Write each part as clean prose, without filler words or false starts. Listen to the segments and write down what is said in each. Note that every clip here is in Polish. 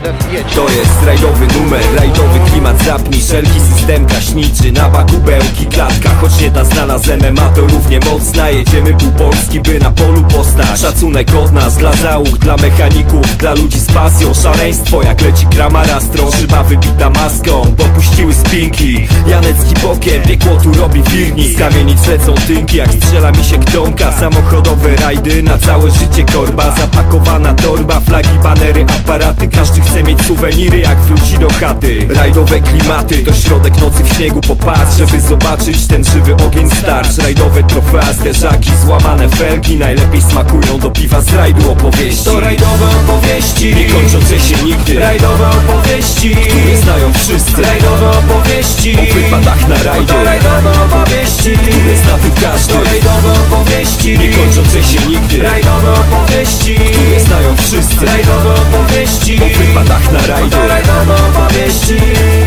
To jest rajdowy numer, rajdowy klimat. Zapnij wszelki system gaśniczy na bakubełki, klatka. Choć nie ta znana z MMA, to równie mocna. Jedziemy pół Polski, by na polu postać. Szacunek od nas dla załóg, dla mechaników, dla ludzi z pasją. Szaleństwo jak leci kramara, strążyba wybita maską. Popuściły spinki, Janecki bokiem, piekło tu robi firni. Z kamienic lecą tynki, jak strzela mi się ktonka. Samochodowe rajdy, na całe życie korba. Zapakowana torba, flagi, banery, aparaty. Każdy chce mieć suweniry, jak wróci do chaty. Rajdowe klimaty, to środek nocy w śniegu. Popatrz, żeby zobaczyć ten żywy ogień starcz. Rajdowe trofea, zderzaki, złamane felgi. Najlepiej smakują do piwa z rajdu opowieści. To rajdowe opowieści, nie kończące się nigdy. Rajdowe opowieści, które znają wszyscy. Rajdowe opowieści, o wypadach na rajdzie. To rajdowe opowieści, które zna tu każdy. To rajdowe opowieści, nie kończące się nigdy. Rajdowe opowieści, które znają wszyscy. Rajdowe opowieści, o wypadach na rajdzie. To rajdowe opowieści.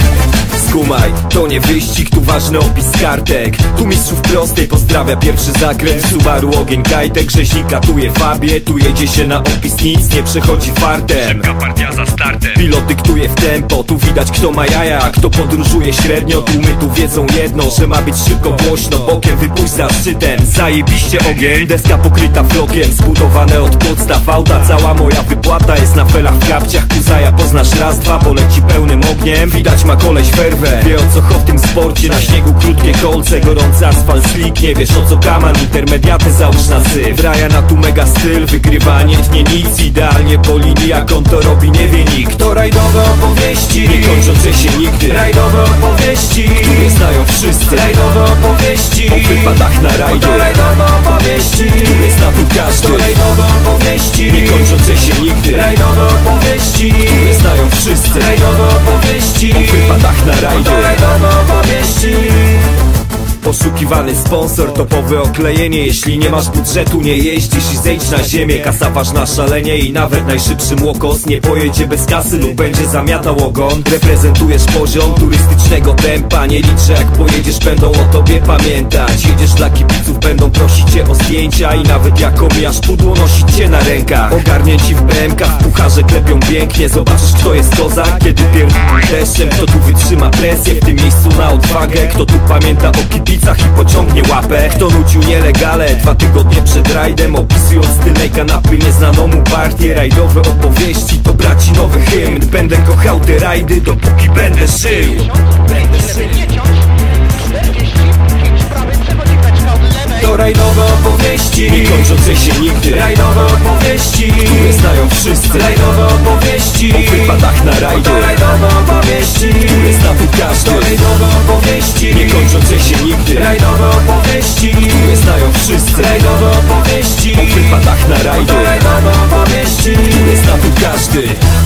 Skumaj, to nie wyścig, tu ważny opis kartek. Tu mistrzów prostej pozdrawia pierwszy zakręt. Subaru ogień kajtek, rzeźnika tu je fabie. Tu jedzie się na opis, nic nie przechodzi fartem. Szybka partia za startem. Pilot dyktuje w tempo, tu widać kto ma jaja, a kto podróżuje średnio. Tłumy tu wiedzą jedno, że ma być szybko, głośno. Bokiem wypuść za szczytem, zajebiście ogień. Deska pokryta flokiem, zbudowane od podstaw auta. Cała moja wypłata jest na felach w kapciach. Kuzaja poznasz raz, dwa, poleci pełnym ogniem. Widać ma koleś werwę, wie o co w tym sporcie. Na śniegu krótkie kolce, gorący asfalt slick. Nie wiesz o co kaman, intermediaty załóż na syf. Ryan tu mega styl, wygrywa nie tnie nic. Idealnie po linii, jak on to robi nie wie nikt. To rajdowe opowieści, nie kończące się nigdy. Rajdowe opowieści, które znają wszyscy. Rajdowe opowieści, o wypadach na rajdzie. To rajdowe opowieści, które zna tu każdy. To rajdowe opowieści, nie kończące się nigdy. Rajdowe opowieści, które znają wszyscy. Rajdowe opowieści, o wypadach na rajdzie. To rajdowe opowieści. Poszukiwany sponsor, topowe oklejenie. Jeśli nie masz budżetu, nie jeździsz i zejdź na ziemię. Kasa ważna szalenie i nawet najszybszy młokos nie pojedzie bez kasy lub będzie zamiatał ogon. Reprezentujesz poziom turystycznego tempa. Nie liczę jak pojedziesz, będą o tobie pamiętać. Jedziesz dla kibiców, będą prosić cię o zdjęcia. I nawet jak omijasz pudło, nosić cię na rękach. Ogarnięci w BMK-ach, w pucharze klepią pięknie. Zobaczysz kto jest kozak, kiedy pierdolą deszczem. Kto tu wytrzyma presję, w tym miejscu na odwagę. Kto tu pamięta o kibicach i pociągnie łapę. Kto nucił nielegale 2 tygodnie przed rajdem, opisując styl tej kanapy nieznaną mu partię. Rajdowe opowieści to braci nowy hymn. Będę kochał te rajdy, dopóki będę żył. To rajdowe opowieści, nie kończące się nigdy. Rajdowe opowieści, które znają wszyscy. Rajdowe opowieści, o wypadach na rajdzie. To rajdowe opowieści, które zna tu każdy. To rajdowe opowieści, nie kończące się nigdy. Rajdowe opowieści, które znają wszyscy. Rajdowe opowieści, o wypadach na rajdzie. To rajdowe opowieści, które zna tu każdy.